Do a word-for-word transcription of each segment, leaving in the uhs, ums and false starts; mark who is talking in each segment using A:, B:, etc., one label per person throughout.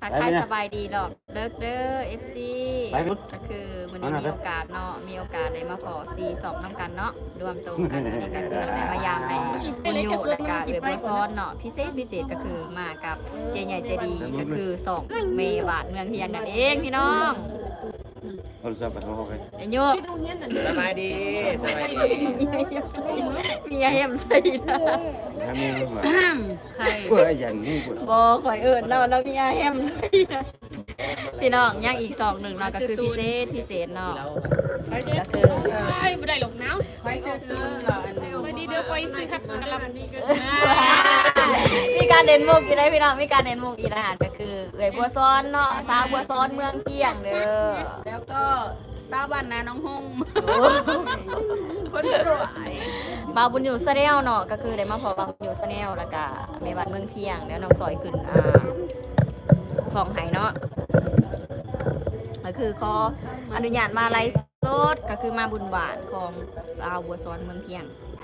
A: ทักทายสบายดีดอกเลิกเด้อ เอฟ ซี ก็คือวันนี้มีโอกาสเนาะมีโอกาสได้มาขอซีสองน้ำกันเนาะรวมตัวกันอันนี้ก็คือได้มายามในบุญยูและกาเอือบัวซ้อนเนาะพิเศษพิเศษก็คือมากับเจใหญ่เจดีก็คือสองเมบาทเมืองเพียงนั่นเองพี่น้องไอ้โยก
B: สบายดีสบายดี
A: มีเอ็มใส่นะใครบอข่อยเอิญเราเรามีเอ็มใส่นะพี่น้องย่างอีกสองหนึ่งเนาะก็คือพิเศษพิเศษเนาะก็คือ
C: ไอ้ไม่ได้หรอกน้ำไฟซื้อตื้นเหรอไม่ดีเดี๋ยวไฟซื้อครับกระลำ
A: มีการเล่นมุกอีกได้พี่น้องมีการเล่นมุกอีกอาหารก็คือเอ๋ยบัวซ้อนเนาะสาวบัวซ้อนเมืองเพียงเด้อ
D: แล้วก็สาวบ้านนาน้องฮงคนสวย
A: มาบุญอยู่ซะแล้วเนาะก็คือได้มาพอบาบุญอยู่ซะแล้วแล้วก็เมวัดเมืองเพียงแล้วน้องซอยขึ้นอ่าสองไหเนาะก็คือขออนุญาตมาไลฟ์สดก็คือมาบุญหวานของสาวบัวซ้อนเมืองเพียง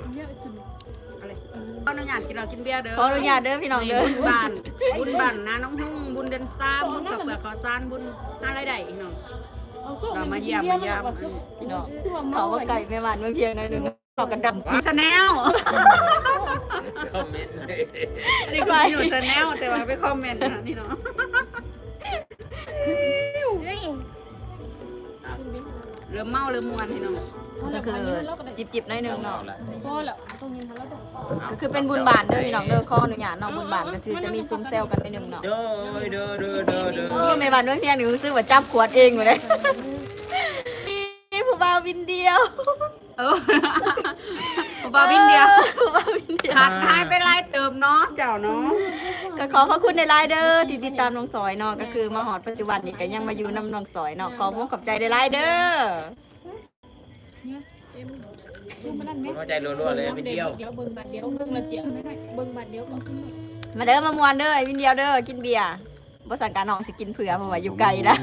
D: ขออนุญาตกินเรากินเบียร์เด้อ
A: ขออนุญาตเด้อพี่น้องเด้อ
D: บุญบ้านบุญบ้านนาน้องฮงบุญเดนซ่าบุญกับเปลือกขอซานบุญหาอะไรได้พี่น้องเรามาเยี่ยมมาเยี่ยม
A: พี่น้องเขาว่าไก่เมวัดเมืองเพียงหน่อยหนึงเขากันดำ
D: มีสแนล
B: คอมเมนต์
D: นี่ก็อยู่สแนลแต่ว่าไปคอมเมนต์นะนี่เนาะเริ่มเมาเริ่มมวนพี่น้อง
A: ก็คือจิบๆหน่อยหนึงเนาะ
C: พอแล้วตรงนี้ทันแล้วต้อง
A: ก็คือเป็นบุญบาทเด้อพี่น้องเด้อขออนุญาตเนาะบุญบาทก็คือจะมีซุ้มเซลกันไปหนึ่งเนาะ
B: เด้อเด้อเด้อเด้อเด้อ
A: โอ้ในบ้านเมืองเพียงนี่รู้สึกว่าจับขวดเองอยู่เลยนี่ผู้บ่าววินเดียว
D: เออ บ่าววินเดียว
A: ผู้บ่าววินเดียว
D: ขาดหายไปไล่เติมเนาะเจ้าเนาะ
A: ก็ขอขอบคุณในไลน์เด้อที่ติดตามน้องสอยเนาะก็คือมาหอดปัจจุบันนี่ก็ยังมาอยู่นำน้องสอยเนาะขอมุกขอบใจในไลน์เด้อ
C: คือมันนั่นไหม
B: หัวใจรัวๆเลยเป็นเดียว
C: เดี๋ยวเบิ้งบัตรเดียวเบิ้งละเสียไม่ให้เบิ้งบัตรเดียวก่อน
A: มาเด้อมามวนเด้อไอ้วินเดียวเด้อกินเบียร์บ่สั่งการน้องสิกินเผื่อเพราะว่าอยู่ไกลนะ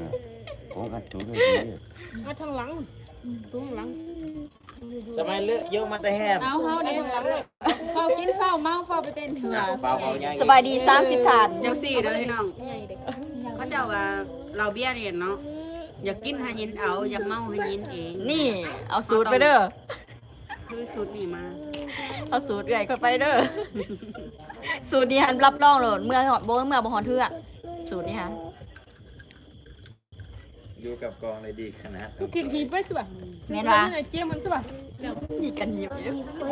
C: มาทางหลังตรงหลัง
B: สมัยเลือกเยอะมาแต่แฮม
C: เอาเฮาเนี่ยเฝ้ากินเฝ้าเมาเฝ้าไปเต้นเถื่อ
B: เบาเบาใหญ่
A: สบายดีสามสิบถาด
D: เจ้าสี่เด้อพี่น้อง
C: ใหญ่เด็ก
D: เขาเจ้าว่าเราเบี้ยเรียนเนาะอยากกินให้ยินเอาอยากเมาให้ยินเอง
A: นี่เอาสูตรไปเด้อ
D: คือสูตรนี่มา
A: เอาสูตรใหญ่เข้าไปเด้อ สูตรนี้หันรับรองโหลดเมื่อหอดโบเมื่อบ่หอดเทือกสูตรนี้ฮะ
B: อยู่กับกองเลยดีขนาด
C: กินหีบไปสิบ่ะเจี๊ยมันสิบ่ะ
A: มีกันหยิบอยู่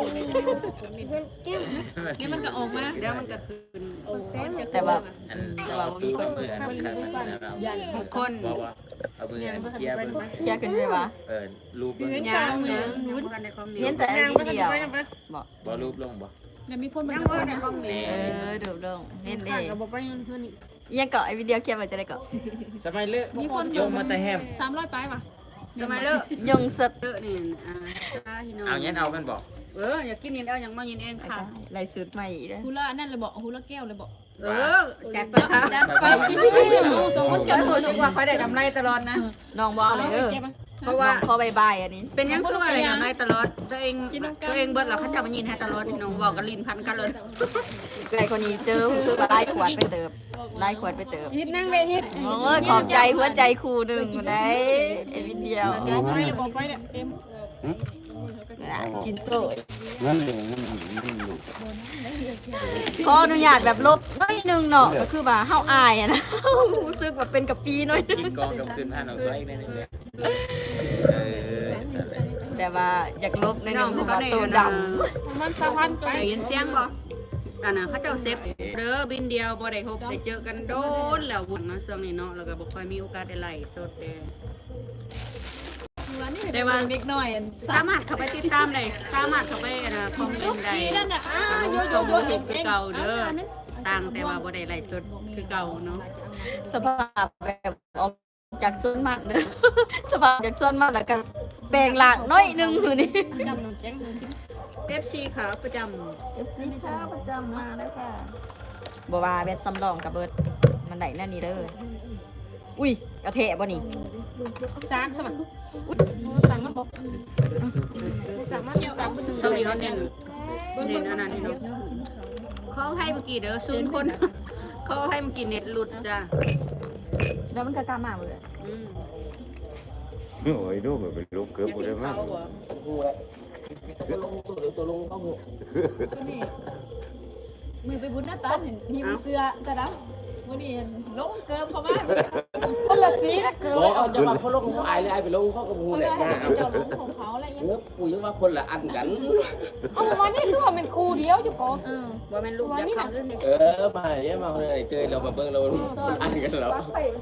C: นี่มันก็ออกมา
D: เดี๋ยวมันก็คืน
A: แต่ว่า
B: อันแต่ว่ามีคนเบื่อนะครับนะครับ
D: ทุกคน
B: บอกว่าเอาเบื่อเคลียร์เบิ่ง
A: เคลียร์กันด้วยวะ
B: เออรูปเบิ่ง
D: ยางเนี่ยยังบ่ทันได้คอมเมน
A: เห็น
D: ต์
A: แต่ไอ้วินเดียวบอก
B: บ่รูปลงบ่
C: แล้วมีคนมา
D: ยังบ่ทันได้คอมเมนต์
A: เออดูดงเล่นเด้
C: ก็บอกไปเพื่อนนี่
A: ยังเกาะไอ้วินเดียวเคลียร์มาจะได้เกาะ
B: สมัยเลือก
C: มีคน
B: โยมมาแต่แฮม
C: สามร้อยไปว่ะ
D: สมัยเลิก
A: ยงสด
D: เลิกนี่อ่าพี่น้อง
B: เอางั้นเอากันบอก
D: เอออยากกินยินเอายังมายินเองค่ะ
A: ลายสูตรใหม่อีกเลย
C: ฮูละนั่นเลยบอกฮูละแก้วเลยบอก
D: เออจัดไปค่ะ
A: จัดไปกิน
C: สองคน
D: จัดโหดว่าค่อยได้กำไรตลอดนะ
A: น้องบอกอะไรเด้อ
D: เพราะว่า
A: พอบายบายอันนี้
D: เป็นยังคืออะไรกำไรตลอดตัวเองตัวเองเบิดแล้วเขาจะมายินให้ตลอดพี่น้องบอกกันลิ้นพันกันเลย
A: ไอ้คนนี้เจอคือว่าไล่ขวดไปเติบไล่ขวดไปเติบ
C: ฮิตนั่งเลยฮิต
A: โอ้ยขอบใจหัวใจครูหนึ่งอยู่ไหนไอ้วินเดียว
C: ไปเลยบอกไปเนี่ยเอ็ม
A: น่ะกินโซ่
E: งั้นเลยงั้นงั้น
A: ขออนุญาตแบบลบน้อยหนึงเนาะก็คือว่าเฮาอายอะนะรู้สึกแบบเป็นกับปีน้อยหนึง
B: กินกองกับคืนผ่านเอาซอยอีกนิดนึงเลยเออสั่นเลย
A: แต่ว่าอยากลบใน
D: น้
A: นึ
D: อง
A: งเพ
D: เขา
A: ราะ
D: ก็
A: ว่า
D: ได้
A: ตัว
D: ด
A: ด
C: มันสามพันตัว
D: ได้ยินเสียงบ่อันน่ะเขาเจ้าเซฟเด้อบินเดียวบ่ได้พบได้เจอกันโดนแล้ววุ่นเนาะช่วงนี้เนาะแล้วก็บ่ค่อยมีโอกาสได้ไล่สดเด้
A: ำแต่ว่านิดหน่อย
D: สามารถเข้าไปติดตามได้สามารถเข้าไปนะคอมเมนต์ได้
C: นั่นน่ะอ่า
D: โย
C: โย
D: โย
C: โย
D: โย
C: โย
D: คือเก่าเด้อต่างแต่ว่าบ่ได้ไล่สดคือเก่าเนาะ
A: สภาพแบบออกจากส่วนมากเด้อ สภาพจากส่วนมากแล้วก็แปลงหลากน้อยหนึงคือนี่
C: จำน้องแจ้ง
D: เอฟ ซี ขาประจำ
A: เอฟซีค่ะประจำมาแล้วค่ะบ่ว่าเบ็ดสำรองกับเบิดมันได้นั่นนี่เด้ออุ้ยกระเทะบ่นี่
C: สามสมัครสั่งมาบอกสั่งมาสั่งมาถึง
D: ช่วงนี้เขาเน้นเน้นอันนั้นนี่เนาะขอให้เมื่อกี้เด้อศูนย์คนเขาให้มันกินเน็ตหลุดจ้ะ
A: แล้วมันก็กล้ามากเลย
D: อืม
E: โอ้ยดูมันเป็นลูกเกือบหมดเลยมั้ง
B: กูแหละตัวลงตัวลงเข้าหัว
A: นี่มือไปบุญหน้าตาเห็นทีมเสื้อจะดับวันนี้ลงเกิมเขามากคนละสีนะเกิม
B: บอกเอาจะมาเขาลงเขาอายเลยอายไปลงเขากับกู
A: เขา
B: แห
A: เล
B: ละ
A: ยให้เจ้าลงของเขาอะไรอย่าง
B: เนื้อกูยังว่าคนละอันกัน
C: เอาวันนี้คือว่าเป็นครูเดียวอยู่ก่อน
D: เออว่าแม่นลูกจะเข้าเรื่องนี้
B: เออมาเนี่ยมาคนไหนเจอเรามาเบิ้งเราอันกันแล้ว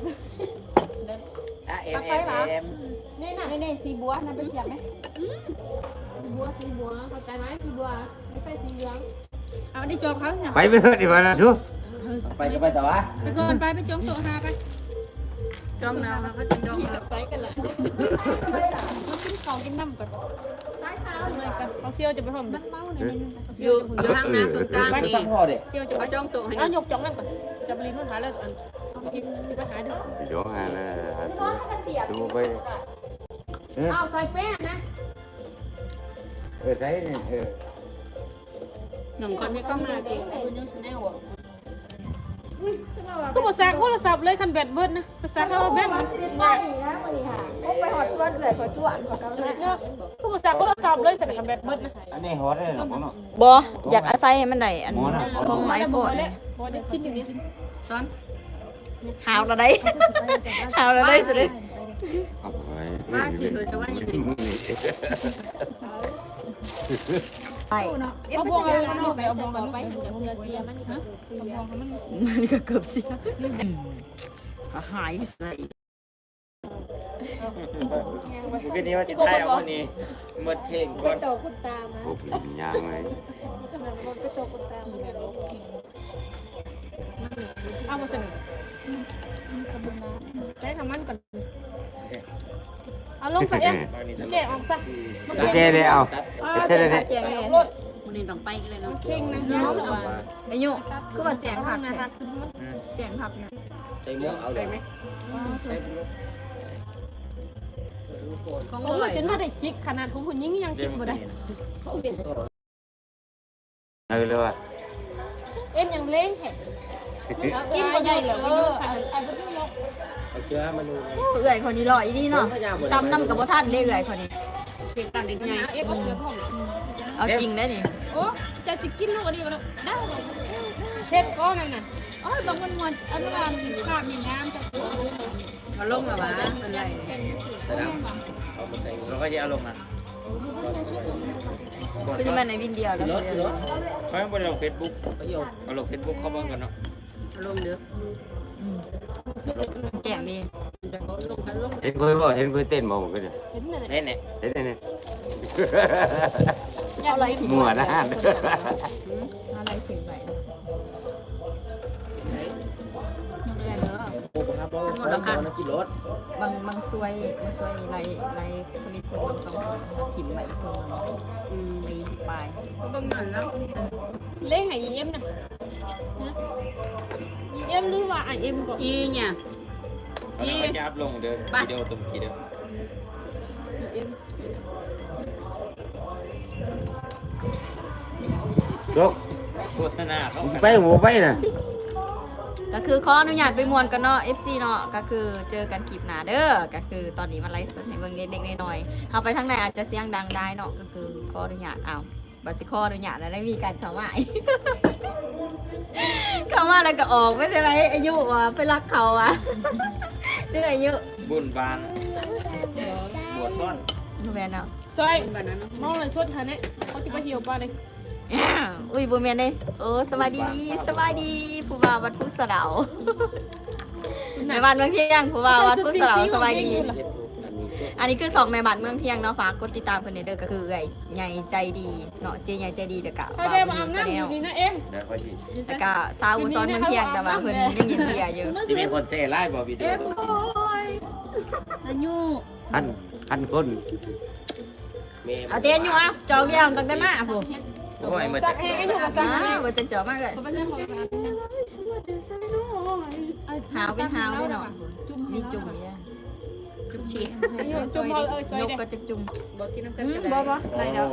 B: อ่ะเอ็มเอ็มเอ็ม
C: นี่น่ะ
A: นี่นี่สีบัวนั่นไปเสียบไหม
C: สีบัวสีบัวเข้าใจไหมสีบัวไม่ใช่สีเหลือง
A: เอาดิจองเขาเนี่ย
E: ไปไม่เถอะดีกว่านะทุก
B: ไปจะไปสวะ
A: ไปก่อนไปไปจองโต๊ะหาไป
D: จ้องแล้วเขาจะจ้องแล้ว
A: ไปกันละเรากินของกินน้ำก่อนใต้เท้าเลยกัน
C: เอาเซียวจะไปห่ม
A: มันเมาหน่อยนึง
D: อยู่อยู่ทางน้ำตรงกลาง
B: ไป
D: นี่
B: สักพ่อเด็ก
C: เซียวจะไป
D: เขาจ้องโต๊ะให้
C: เอาหยกจ่องนั่นก่อนจะไปรีนมันหาแล้วอันกินไปหาเด้อ
E: เดี๋ยวหานะดูไปเออ
C: เอาใส่แป้งนะ
E: เออใช่เนี่ยเออ
D: หนึ่งคนที่เข้ามาเองคุณยังแน่หัว
C: ก็บอกสั่งโทรศัพท์เลยคันแบตเบิดนะภาษาเขาแบตมัน
A: ไปนะวันนี้ค่ะไปหอดส่วนเลยหอดส่วนของเขาเลย
C: เนี่ยก็บอกสั่งโทรศัพท์เลยสั่งคันแบตเบิดนะ
E: อันนี้ฮอตเลยหรอพ่อเนาะ
A: บออยากอาศัยให้มันได้อันของไอโฟน
C: พอจะคิดอยู่นี่
D: ซ้อน
A: หาวละได้หาวละได้สิเลย
E: เอาไป
D: ว่าสิเธอจะว่ายังไง
A: ไป
C: เอาบวงเอาไปเอาบวงไปหันจากเสียเสียมันฮะเอาบวงมัน
A: นี่ก็เกือบเสียหายใส่
B: คืนนี้ว่าจะได้เอาคนนี้หมดเพลงก่อน
C: โตคุณตามา
E: พวกยางเลย
C: ขนาดมันไปโตคุณตาเอามาเสนอใช้คำมันก่อนเอาลงใส่ยังแกะออกซะ
E: เจ๊เลยเอาเจ๊เลย
A: แจงเลย
C: รถ
D: วันนี้ต้องไปกันเลยเนาะ
C: เข่งนะเนาะ
A: อายุคือว่าแจงผักนะแจงผักนะ
B: ใจม่วงเอาเลยไหม
D: ของ
C: ผม
D: อะไร
C: จนว่าได้จิกขนาดของคุณยิ่งยังจิกบ่ได้
E: เออเลยว่ะ
C: เอ็นยังเล้งแข็งกินบ่ได้เหรอไม่ยุ่งใส่ไอ้บ่ยุ่งหรอก
B: เอาเชื้อมาดู
A: เอื่อยคนนี้ลอยดีเนาะตำน้ำกับบ่ท่านได้เอื่อยคนนี้
D: เก็บตังค์เด็ก
C: มัน
D: ใหญ่
C: หาเอ็กเอาเสือพ่อง
A: เอาจริงได้นี่
C: โอ้จะสิกินลูกอันนี้บ่ได้เฮ็ดก้อนนั่นน่ะ
A: อ๋อบางวันวันอันนั้นภาพมีน้ำจากตัว
D: มาลงแล้ววะอะไร
B: แต่ดำเอามาใส่เราก็จะเอาลงนะ
A: คือจะมาในวินเดียวแล้ว
B: รถรถเขาไม่ได้ลงเฟซบุ๊กเขาโยกเอาลงเฟซบุ๊กเขาบ้างกันเนาะ
D: ลงเด้อ
A: แจงดี
E: เห็นคุยบ่เห็นคุยเต้นบ่กันเนี่ย
C: เห็นนั่น
B: เน่เน่
E: เห็นเนี่ย
A: อะไร
E: มัวนะ
A: อะไรถึงไปยกเรือนเด้อ
B: โอ้โหครับเราเราเรากินรถ
A: บางบางซวยบางซวยไรไรผลิตผลสองถิ่นใบพงอืมไปไป
D: ประมาณแล้ว
C: เล้งให้อีเอ็มน่ะอีเอ็มหรือว่าไอเอ็มก่อน
D: อีเนี่ย
B: เขาเราจะอัพลงเดินวิดีโอตัวเมื่อกี้เด้อ
E: จก
B: โฆษณาเขา
E: ไปหัวไปน่ะ
A: ก็คือขออนุญาตไปมวนกันเนาะ เอฟ ซี เนาะก็คือเจอกันคลิปหน้าเด้อก็คือตอนนี้มันไลฟ์สดให้เบิ่งเด็กๆน้อยๆเอาไปทางไหนอาจจะเสียงดังได้เนาะก็คือขออนุญาตเอาบัดสิขออนุญาตแล้วได้มีการเข้ามา เข้ามาแล้วก็ออกไม่เป็นไรอายุว่ะไปรักเขาอ่ะ เรื่องอายุ
B: บุญบานบวชซ่อน
A: แม่นเนาะ
C: ซอย
D: แบบนั้น
C: มองเลยสดหาเนี่ยเขาจะไปเหี่ยวปลาเลย
A: อ้าวอุ้ยบ่แม่นเด้โอ้สวัสดีสวัสดีผู้บ่าววัดพุทธสะเดาแม่บ้านเมืองเพียงผู้บ่าววัดพุทธสะเดาสวัสดี อันนี้คือสองแม่บ้านเมืองเพียงเนาะฝากกดติดตามเพิ่นเด้อก็คือไอ้ใหญ่ใจดีเนาะเจใหญ่ใจดีเด้อกะ
C: เขาได้มาอาบน้ำอยู่นี่นะเอ็ม
B: เดี๋ยวค่อยยิง
A: แล้วก็สาวอุซ้อนเมืองเพียงแต่ว่าเพิ่นยังยินเพียอยู่
B: ที่มีคนเซ่ไล่บอกวิดีโอ
A: อายุ
E: พันพันคน
A: เอาเตียนอยู่อ่ะจองเดียวตั้งแต่มาผู้
B: โอ้ยมา
C: สั
B: จาก
C: กเองก็อยู่กับ
A: อ่า
C: สักเอง
A: บ่จะเจอมากเลยหาวเป็นหาวด้วยเนาะมีจุ่มเนี่ยจุ่มชีส
C: อยู่ซุ่มเอาเอ้ยซอย
A: ยก
C: เด็ก
A: ก็จะจุ่ม
D: บอกกินน้ำกัน
A: อืม
D: ก็
A: บ่
D: ได้
A: บ่อะไรเด้อ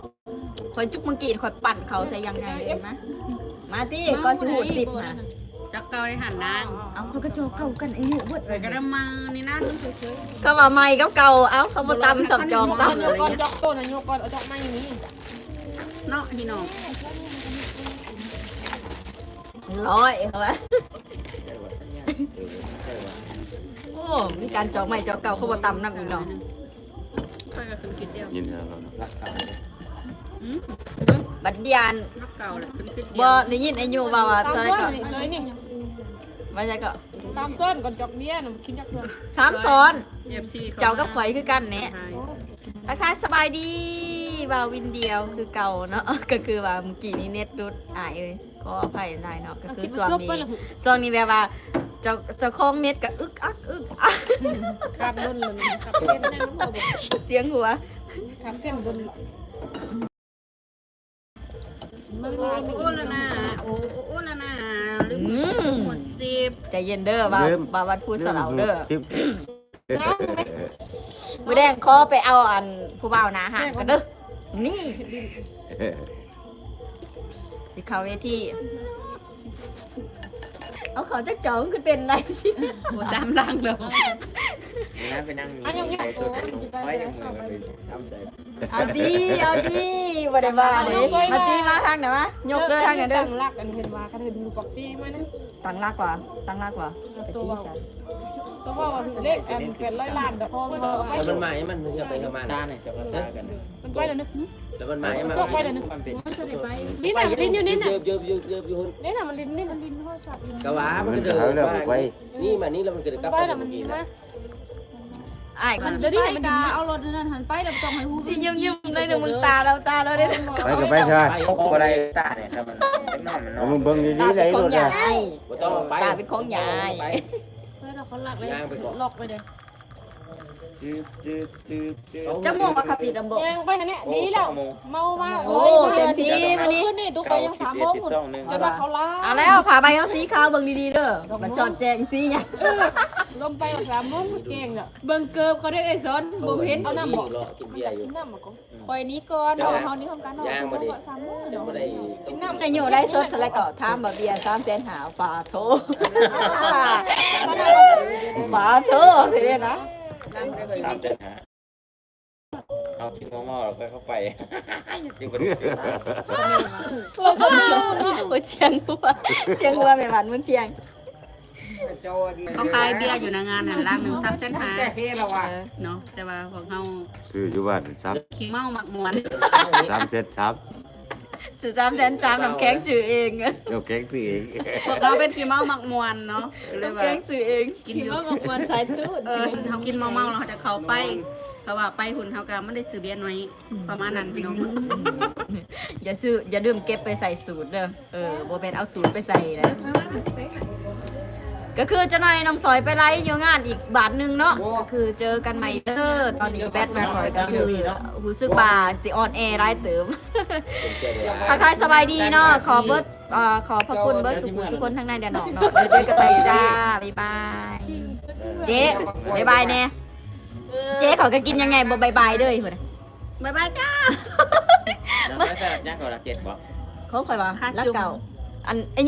A: คอยจุกมังกีดคอยปั่นเขาใส่ยังไงเลยมะมาติก่อนสิหูดสิบมา
D: จักเก่าได้หันนาง
A: เอาเขาก็โจเก่ากันอายุเบิด
D: เลยก็ได้มานี่นั่น
A: ก็ว่าใหม่กับเก่าเอ้าเขาบ่ตำสับจองตำ
C: โยกก่อนยกต้นนะโยกก่อนเอาดอกไม้อย่างนี้
D: เนาะพี่น้อง
A: ร้อยเอาไว้โอ้มีการจองใหม่จองเก่าเขาบ่ตำนำอีกเนาะ
D: ค่อยก็คือคิดเดียว
E: ยินแล้ว
B: รักเก่า
D: อืม
A: บัดเดียน
D: รักเก่าแหละคือคิดเดี
A: บ่
D: ยว
A: ได้ยินไอ้ยูว่าว่า
C: ตาม
A: เท่าไหร่
C: ส้
A: ก็
C: นนี่สวยนี่
A: ว่าจะก็
C: ตามส้นก่อนจอกเบี้ยน่ะคิดจักเพื่อน
A: สามซ้อน
D: เอฟซี
A: เจ้ากับข่อยคือกันเนี่ยทักทายสบายดีบ่าววินเดียวคือเก่าเนาะ ก็คือว่าเมื่อกี้นี้เน็ตรุดอายเอ้ยขออภัยได้เนาะก็คือส่วนนี้ส่วนนี้แบบว่าเจ้าเจ้าของเน็ตก็อึกอักอึกอัก
C: ขาดล้นเลยขาดเส้นในน้ำหัวบอก
A: เสียงหัว
C: ขาดเส้นล้นมัน
D: โอ้
C: ลายไม่
D: โอ้
C: กิน
D: ละ
C: นะ
D: นะโอ้โอ้โอ้ละนะลืมหมดสิบ
A: ใจเย็นเด้อบ่าวบ่าววัดพูดสลาวเด้อ
E: ชิป
A: มือแดงขอไปเอาอันผู้บ่าวหนาหางกันเด้อนี่สิเข้าเวทีเอาเขาจะจองคือเป็นไรสิ
D: โอ้สามลังเลย
B: นี่นะไปนั่งอยู่ในสุดไว้ในมือไปทำใจ
A: เอาดีเอาดีบ่ได้ว่าเลยมาตีมาทางไหนวะยกเด้อทางไหนเด้อ
C: ตั้งรักอันนี้เห็นว่าเขาเห็นดูบอกซี่มานะ
A: ตั้งลากกว่าตั้งลากกว่าไป
C: ตัว
A: ตี
C: ว่า
A: ซะ
C: ตัวว่าว่าเลขอันเป็นร้อยล้านดอกพอมันเอาไป
B: แล้วมันมาให้มันจะไปกับมันซ่าเนี่ยจะมาซ่ากัน
C: มันไปแล้วนึก
B: แล้วมันมาให้มันมันเป็น
C: ลิ้นอ่ะลิ้นอยู่นี่น่ะ
B: เยอะเยอะเยอะเยอะอยู่
C: นี่น่ะมันลิ้นนี่มันลิ้นข้อสับลิ้น
B: กะว่ามันเดินมานี่มานี่แล้วมันเกิดกับ
C: ไป
B: ไป
C: แล้ว
B: เมื่
C: มัน
B: อ
C: ดี
B: กี้
C: ไหม
B: นะ
A: อ้ายคัน
C: เดี๋ยวนี้มันดี
F: เอารถนั่นหันไปแล้วต้องให้ฮู้
A: สิยิ้มๆเลยเด้อมึงตาเราตาเราเด้อ
E: ไปก็ไปเถอะ
B: ไปเขาอะไรตาเนี่ยถ้ามันเป็นนอนมันนอ
E: เอา
B: น
E: มึงเบิ่ง
A: ตา
E: ดีๆเล
A: เป็น
E: ย
A: ของ
E: รถ
A: ยา
E: อ่ะ
A: ย
B: บ่ต้องไป
A: ตาเป็นของยาย
B: ไป
F: เฮ้ยเราเขาหลักเลย
B: ย่างไปก่อน
F: ล็อกไปเลย
B: จืดจืดจืดจืด
A: จะม่วงว่าขับปีดำบ่
C: แยงไปอันนี้ดีแล้วเมามาก
A: โอ้เต็มที่มื้อนี้
F: นี่ตุ๊กไปยังสามโมงจนว่าเขาล้า
A: เอาแล้วผ่าใบเอาสีขาวเบิ่งดีๆเด้อมันจอดแจงสีหยัง
C: ลมไปสามโมงเก่งอ่ะ
F: เบิ่งเกิบเขาได้เอ้ยสอนบ่เห็น
B: เอาน้ำบอกกินเบียร์อยู่
C: กินน้ำมาก่อน
F: คอยนี้ก่อนเนาะเฮานี่ทำการเนาะสามโมง
B: เดี๋
F: เดี๋
B: ย
F: ยว ว
B: บ่ได้
C: กินน้ำ
A: นายโยได้สดเท่าไหร่ก็ถามบ่เบียร์สามแสนหาปลาโถปลาโถสิเด้นะ
B: ตามใจหาเอาคิดงอๆเราก็เข้าไปจึงบ่ได้
A: โอ้เสียงหัวเสียงหัวแม่หวานมื้อเที่ยง
D: เขาขายเบียร์อยู่ในงานหันล่างหนึ่งซับเส้นหา
A: เออ
D: เนาะแต่ว่าของเขา
E: ซื้ออยู่บ้านซับ
D: ขี้เมาหมักมวน
E: สามเซตซับ
A: จือจามแสนจามน้ำแข็งจือเอง
E: เจ้าแก๊งซื้อเอง
D: พวกเราเป็นขี้เมาหมักมวนเนาะก็เลย
A: น้ำ
D: ว่า
A: แข็งจือเอง
D: กิน
F: คิด
D: อยู่
F: ว่าบางวันสายตู้
D: เออเขากินเมาๆแล้วเขาจะเข้าไปเพราะว่าไปหุ่นเขาก็ไม่ได้ซื้อเบียร์ไว้ประมาณนั้นพี่น้อง
A: อย่าซื้ออย่าลืมเก็บไปใส่สูตรเด้อเออบ่แม่นเอาสูตรไปใส่นะก็คือเจะนายน้องสอยไปไลฟ์อยู่งานอีกบาทหนึงเนาะก็คือเจอกันใหม่เด้อตอนนี้แบทน้องสอยก็คือรู้สึกว่าสิออนแอร์ไลฟ์เติม ทักทายสบายดีเนาะขอเบิร์ดเอ่อขอขอบคุณเบิร์ดสุขุมทุกคนทั้งในเดียนอกเนาะเดี๋ยวเจอกันใหม่จ้า บ๊ายบาย เจ๊บ๊ายบายแน่เจ๊เขาก็กินยังไงบ่บ๊ายบายเด้อเหมือน
D: บ๊ายบายจ้า
B: แล้วแต่ยักษ์ก็รักเจ็ดบ่
A: เขาคอยว่ารักเก่าอัน